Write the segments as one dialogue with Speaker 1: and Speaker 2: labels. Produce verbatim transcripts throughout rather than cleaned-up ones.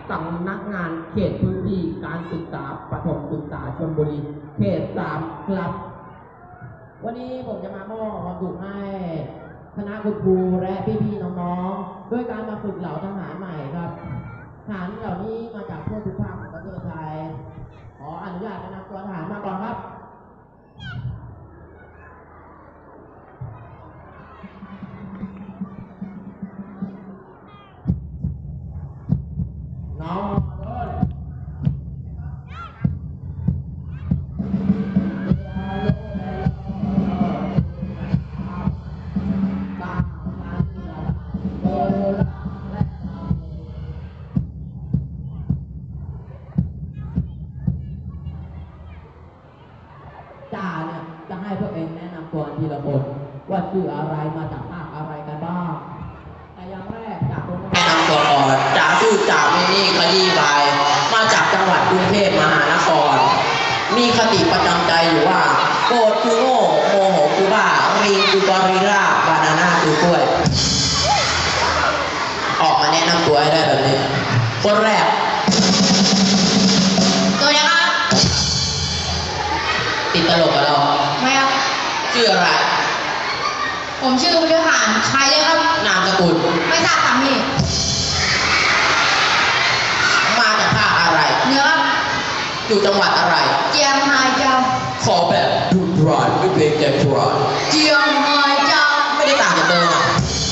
Speaker 1: สำนักงานเขตพื้นที่การศึกษาประถมศึกษาชลบุรีเขตสามครับวันนี้ผมจะมามอบความสุขให้คณะคุณครูและพี่ๆน้องๆด้วยการมาฝึกเหล่าทหารใหม่ครับทหารเหล่านี้มาจากทั่วทุกภาคของประเทศไทยขออนุญาตแนะนำตัวทหารมาก่อนครับน้องจ่าเนี่ยจะให้พวกเองแนะนำตัวทีละคนว่าชื่ออะไรมาจากภาคอะไรกันบ้างแต่อย่างแรกจ่าคนแนะนำตัวก่อนจ่าชื่อจ่ามินี่คดีบายมาจากจังหวัดกรุงเทพมหานครมีคติประจำใจอยู่ว่าโกรธคือโง่โมโหคือบ้ารีคือกอริลลาบานาน่าคือกล้วยออกมาแนะนำตัวให้ได้แบบนี้คนแรกตัวยังครับติดตลกกับเราไม่ครับชื่ออะไรผมชื่อวิทยาหารชายเลยครับนามสกุลไม่ทราบสามีมาจากภาคอะไรเนื้อครับอยู่จังหวัดอะไรเจียงไฮ้เจ้าขอแบบดุร้อนไม่เป็นใจร้อนเจียงไฮ้เจ้าไม่ได้ต่างจากเดิมอ่ะ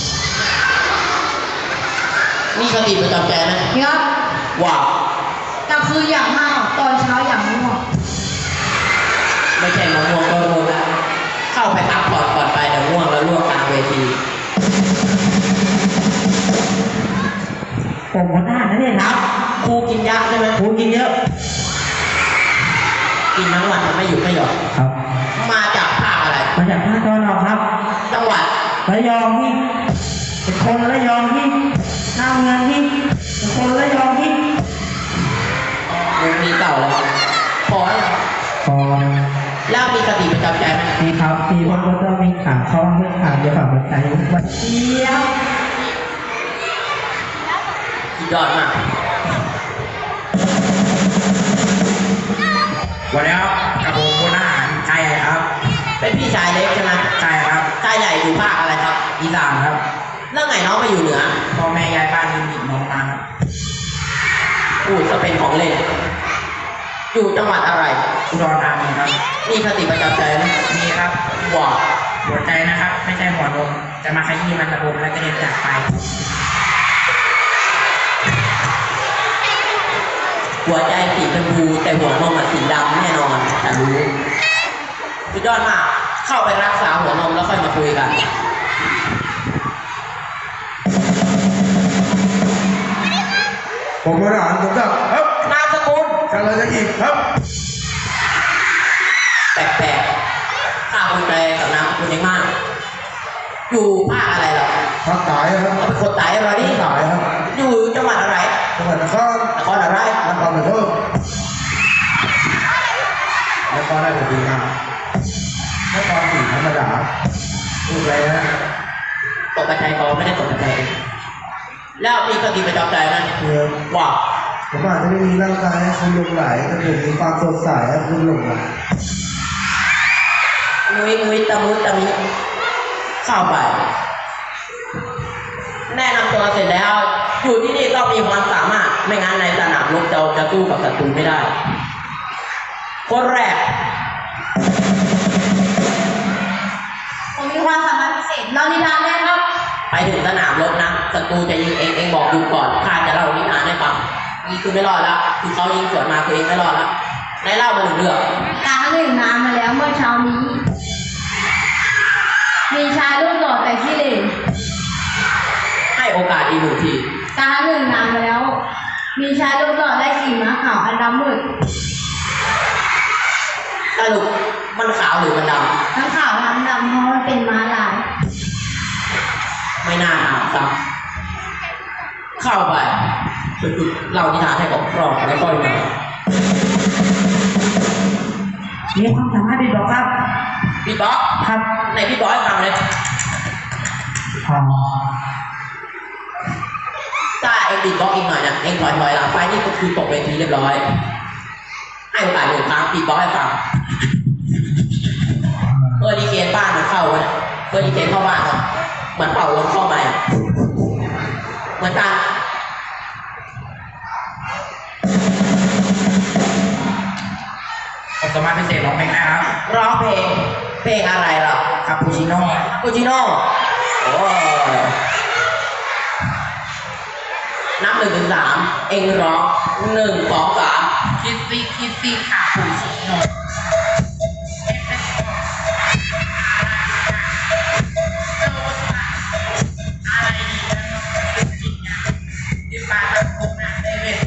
Speaker 1: มีคติประจำใจไหมครับว่ากลางคืนอย่างมากตอนเช้าอย่างง่วงไม่ใช่มะม่วงก็ง่วงแล้วเข้าไปพักผ่อนก่อนไปเดี๋ยวง่วงแล้วล่วงกลางเวทีผมหัวหน้านั่นเองครับครูกินยาใช่ไหมครูกินเยอะกินทั้งวันมันไม่หยุดไม่หย่อนครับมาจากภาคอะไรมาจากภาคตะวันออกครับจังหวัดระยองที่เป็นคนระยองที่หน้าเมืองที่เป็นคนระยองที่มีเก่าแล้วพอแล้วพอแล้วมีคติประจำใจไหมมีครับมีวันก็ต้องมีขาข้อเพื่อขาเดี๋ยวฝั่งหัวใจวันเดียวสุดยอดมากวันนี้ครับกับผมคนอาหารชายใหญ่ครับเป็นพี่ชายเล็กใช่ไหมใช่ครับชายใหญ่อยู่ภาคอะไรครับอีสานครับแล้วไงน้องมาอยู่เหนือพ่อแม่ย้ายบ้านยินดีน้องมาพูดจะเป็นของเล่นอยู่จังหวัดอะไรอุดรธานีครับมีคติประจำใจไหมมีครับหัวหัวใจนะครับไม่ใช่หัวนมจะมาขยี้มันระบบแล้วจะเด็นจากไปหัวใจสีชมพูแต่หัวนมสีดำแน่นอนแต่รู้สุดยอดมากเข้าไปรักษาหัวนมแล้วค่อยมาคุยกันผมมาอ่านผมจะครับนามสกุลกันเลยจะอีกครับแปลกๆข้าคุณใจกับนามสกุลยังมากอยู่ภาคอะไรหรอภาคใต้ครับเป็นคนใต้อะไรนี่ใต้ครับอยู่จังหวัดอะไรจังหวัดนครนครอะไรนครปฐมนครราชสีมานครศรีธรรมราชถูกเลยนะตกกระจายกองไม่ได้ตกกระจายแล้วมีคติประจำใจนะว่าผมอาจจะไม่มีร่างกายให้คุณหลงไหลแต่ผมมีความสดใสให้คุณหลงไหลมุ้ยมุ้ยตะมุ้ยตะมิเข้าไปแนะนำตัวเสร็จแล้วอยู่ที่นี่ต้องมีความสามารถไม่งั้นในสนามรบเราจะสู้กับศัตรูไม่ได้คนแรกผมมีความสามารถพิเศษเล่านิทานได้ครับไปถึงสนามรบนะศัตรูจะยิงเองเองบอกดูก่อนข้าจะเล่านิทานให้ฟังนี่คือไม่รอดแล้วคือเขายิงสวนมาคือเองไม่รอดแล้วในเล่ามาหนึ่งเรื่องการหนึ่งนานมาแล้วเมื่อเช้านี้มีชายรูปหล่อแต่ขี้เหร่ให้โอกาสอีกหนึ่งทีการหนึ่งนานมาแล้วมีชายรูปหล่อได้ขี่ม้าขาวอันดำมืดสรุปมันขาวหรือมันดำทั้งขาวทั้งดำเพราะมันเป็นม้าลายไม่น่าถามซ้ำเข้าไปเรานิทานให้กับครอบแล้วก็ยังมีความสามารถบีบบ็อกครับบีบบ็อกครับในบีบบ็อกให้ฟังเลยใช่เองดีบล็อกอีกหน่อยนะเองถอยถอยหลังไปนี่ก็คือตกเวทีเรียบร้อยให้โอกาสหนึ่งครั้งดีบล็อกให้ฟังเออดีเกนบ้านมันเข้าเลยเออดีเกนเข้าบ้านครับเหมือนเป่าลมเข้ามาเหมือนกัน
Speaker 2: ผมสามารถพิเศษร้องเพลงได้ครับ
Speaker 1: ร้องเพลงเพลงอะไรหรอ
Speaker 2: คาปูชิโน่
Speaker 1: คาปูชิโน่โอ้นับหนึ่งถึงสามเองร้องหนึ่งสองสาม
Speaker 2: คิดซี่คิดซี่คาปูชิโน่อะไรดีนะจริงอ่ะที่ปาตะโกนอ่ะได้เว้ย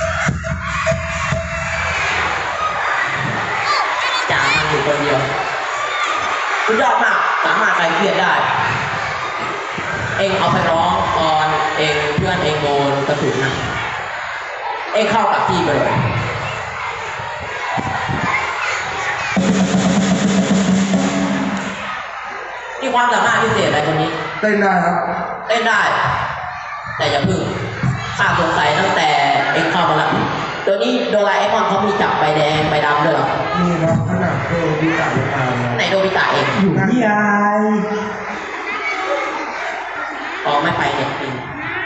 Speaker 1: จ่ามันอยู่คนเดียวสุดยอดมากสามารถใครเครียดได้เองเอาไปร้องตอนเองเพื่อนเองโดนกระสุนนะเองเข้ากับที่ไปเลยนี่ความสามารถพิเศษอะไรคนนี้
Speaker 3: เต้นได้ครับ
Speaker 1: เต้นได้แต่อย่าพึ่งข้าสงสัยตั้งแต่เองเข้ามาแล้วเดี๋ยวนี้โดราเอมอนเขามีจับใบแดงใบดำด้วยหรอ
Speaker 3: มีครับขนาดโดบิตะยังมา
Speaker 1: ไหนโดบิตะเอง
Speaker 3: อยู่ที่ไอ
Speaker 1: อ๋อไม่ไปเนี่ยจริง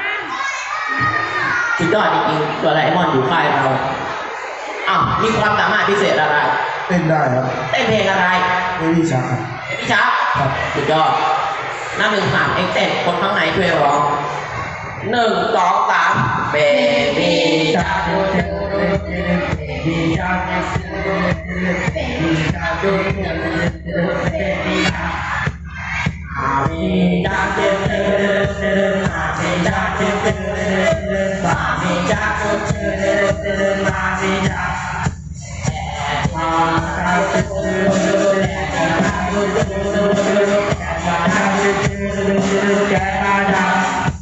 Speaker 1: สุดยอดจริงๆโดราเอมอนอยู่ค่ายเราอ้าวมีความสามารถพิเศษอะไร
Speaker 3: เต้นได้ครับ
Speaker 1: เต้นเพลงอะไร
Speaker 3: เบบี้ชัก
Speaker 1: เบบี้ชักครับสุดยอดหน้าหนึ่งสามเอ็กเต้นคนข้างในช่วยร้องหนึ่งสองสามเบบี้ชักเบบี้ชักเบบี้ชักเบบี้ชักอามีจักเจ็บเดินเดินอามีจักเจ็บเดินเดินเดินอามีจักเจ็บเดินเดินเดินอามีจักมาจักเจ็บเดินเดินจักเจ็บเดินเดินจักเจ็บเดินเดินแกมาจัก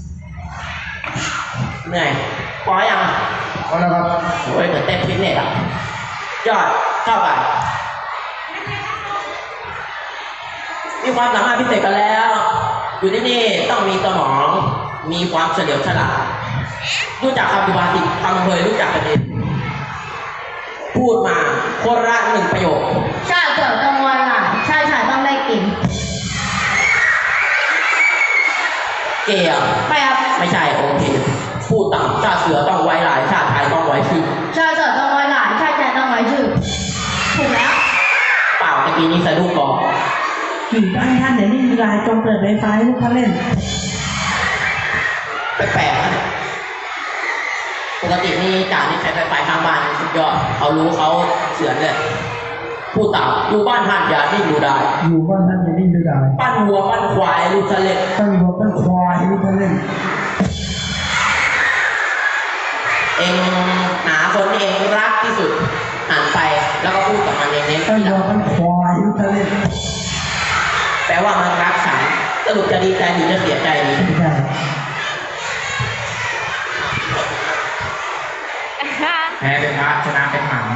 Speaker 1: เหนื่อยพอยัง
Speaker 3: พอแล้วครับ
Speaker 1: โอ้ยเหมือนเต้นฟิตเนสอ่ะยอดเข้าไปมีความสามารถพิเศษกันแล้วอยู่ที่นี่ต้องมีสมองมีความเฉลียวฉลาดรู้จักคำพิวาสิคำเคยรู้จักกันดีพูดมาคนละหนึ่งประโยค
Speaker 4: ชาเกิดต้องวันอ่ะชาชายต้องได้กิน
Speaker 1: เกี่ยว
Speaker 4: ไม่ครับ
Speaker 1: ไม่ใช่โอเคพูดต่ำชาเสือต้องไว้หลายชาไทยต้องไว้ชื่อ
Speaker 4: ชาเสือต้องไว้หลายชาชายต้องไว้ชื่อถูกแล้ว
Speaker 1: เปล่าตะกี้นี้สะดุ้งก่อน
Speaker 5: อยู่บ้านท่านไหนไม่มีไลน์จงเปิดไวไฟให้พวกเขาเล่น
Speaker 1: แปลกๆนะปกตินี่จ่านี่ใช้ไฟไฟข้างบ้านสุดยอดเขารู้เขาเสือนเลยพูดต่ำอยู่บ้านท่านอย่านิ่งดูได้
Speaker 5: อยู่บ้านท่านอย่านิ่งดูได้
Speaker 1: ปั้นวัวปั้นควายลูกทะเล
Speaker 5: ปั้นวัวปั้นควายลูกทะเล
Speaker 1: เองหาคนที่เองรักที่สุดหันไปแล้วก็พูดกับมันเองเน้น
Speaker 5: ปั้นวัวปั้นควายลูกทะเล
Speaker 1: แปลว่ามันรักฉันสรุปจะดีใจหรือจะเสียใจดี
Speaker 2: แพ้เป็นพระชนะเป็นหมัน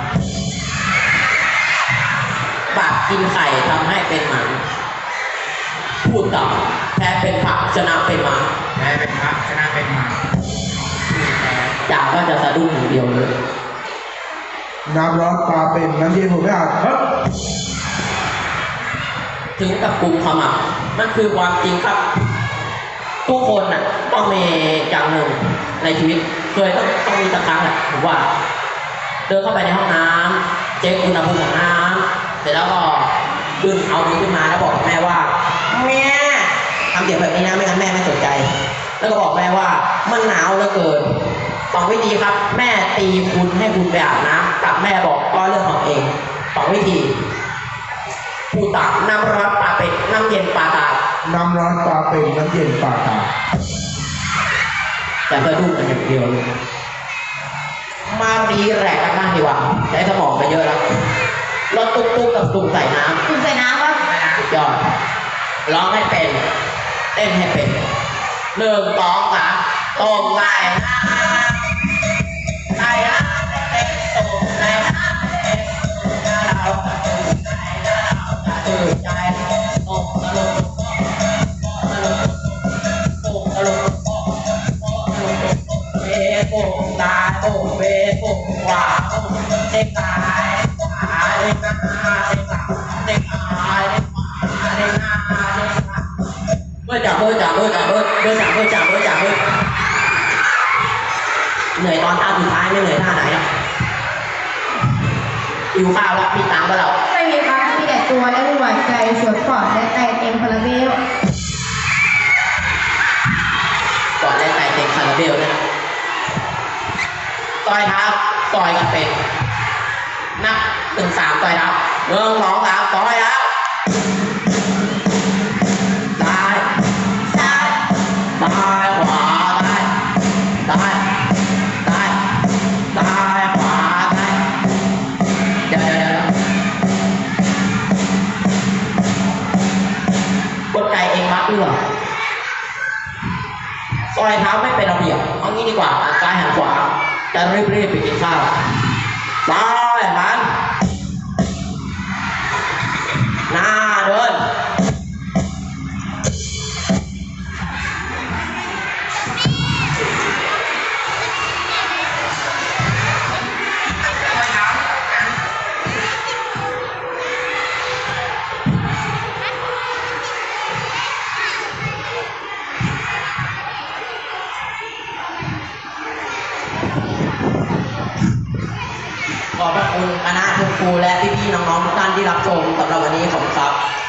Speaker 1: บาปกินไข่ทำให้เป็นหมันพูดต่อแพ้เป็นพระชนะเป็นหมัน
Speaker 2: แพ้เป็นพระชนะเป็นหมัน
Speaker 1: จ่าก็จะสะดุ้งอย่างเดียวเลย
Speaker 3: น้ำร้อนปลาเป็นน้ำเย็นผมไม่อาบ
Speaker 1: ถึงกับกลุ่มขมับมันคือความจริงครับทุกคนน่ะต้องมีอย่างหนึ่งในชีวิตเคยต้องต้องมีสักครั้งแหละผมว่าเดินเข้าไปในห้องน้ำเช็คอุณหภูมิของน้ำเสร็จแล้วก็ดึงเอามือขึ้นมาแล้วบอกแม่ว่าแม่ทำเสียงแบบนี้นะไม่งั้นแม่ไม่สนใจแล้วก็บอกแม่ว่ามันหนาวเหลือเกินสองวิธีครับแม่ตีคุณให้คุณไปอาบน้ำกับแม่บอกก็เรื่องของเองสองวิธีผู้ตักน้ำร้อนปลาเป็ดน้ำเย็นปลาตาย
Speaker 3: น้ำร้อนปลาเป็นน้ำเย็นปลาตาย
Speaker 1: แต่ก็ดูกันอย่างเดียวเลยมารีแรกกันบ้างดีกว่าใช้สมองไปเยอะแล้วรถตุ๊กตุ๊กกับตุ่มใส่น้ำ
Speaker 4: ตุ่มใส่น้ำครับ
Speaker 1: สุดยอดร้องให้เป็นเต้นให้เป็นหนึ่งสองสามต้มไก่ไก่นะเต้นต้มไก่นะเต้นเราตื่นใจตกตลกตลกตกตลกตกตลกเอ๊ะโอ้เบโอ้ขวาโอ้เด้งซ้ายขวาเด้งหน้าเด้งหลังเด้งซ้ายเด้งขวาเด้งหน้าเด้งหลังเบอร์จ่าเบอร์จ่าเบอร์จ่าเบอร์เบอร์จ่าเบอร์จ่าเบอร์จ่าเบอร์เหนื่อยตอนท่าสุดท้ายไม่เหนื่อยท่าไหนอ่ะหิวข้าวแล้วมีตังค์ปะเรา
Speaker 4: ไม่มีครับมีแต่ตัวและหัวใจสวนปอดและไตเต็มคาราเบล
Speaker 1: ก่อนแรกใส่เต็มคาราเบลนะต่อยเท้าต่อยกับเป็ดนับหนึ่งสามต่อยเท้าหนึ่งสองสามต่อยแล้วซ้ายซ้ายซ้ายขวาซ้ายซ้ายซ้ายซ้ายขวาซ้ายเดี๋ยวเดี๋ยวเดี๋ยวกดไก่เองมัดด้วยซอยเท้าไม่เป็นระเบียบเอางี้ดีกว่าหันซ้ายหันขวาจะรีบๆไปกินข้าวซ้ายหันหน้าเดินขอบพระคุณคณะคุณครูและพี่ๆน้องๆทุกท่านที่รับชมสำหรับวันนี้ขอบคุณครับ